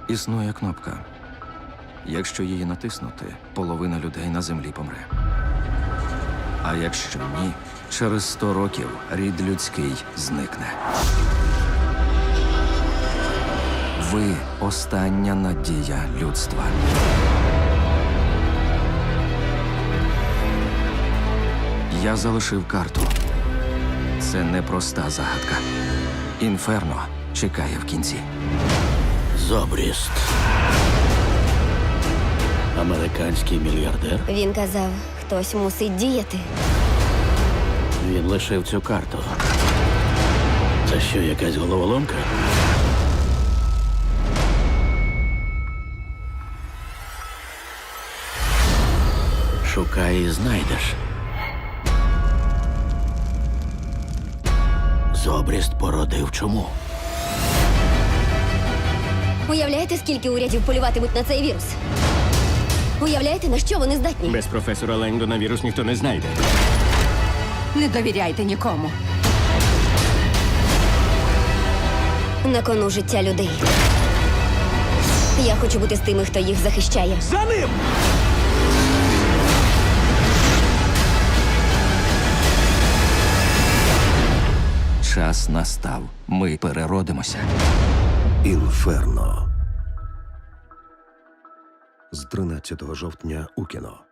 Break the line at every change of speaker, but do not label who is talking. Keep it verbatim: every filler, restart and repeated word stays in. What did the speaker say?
Існує кнопка. Якщо її натиснути, половина людей на землі помре. А якщо ні, через сто років рід людський зникне. Ви – остання надія людства. Я залишив карту. Це непроста загадка. Інферно чекає в кінці.
Зобріст. Американський мільярдер.
Він казав, хтось мусить діяти.
Він лишив цю карту. Це що, якась головоломка? Шукай і знайдеш. Зобріст породив чому?
Уявляєте, скільки урядів полюватимуть на цей вірус? Уявляєте, на що вони здатні?
Без професора Лендона вірус ніхто не знайде.
Не довіряйте нікому.
На кону життя людей. Я хочу бути з тими, хто їх захищає.
За ним!
Час настав. Ми переродимося.
Інферно. З тринадцятого жовтня у кіно.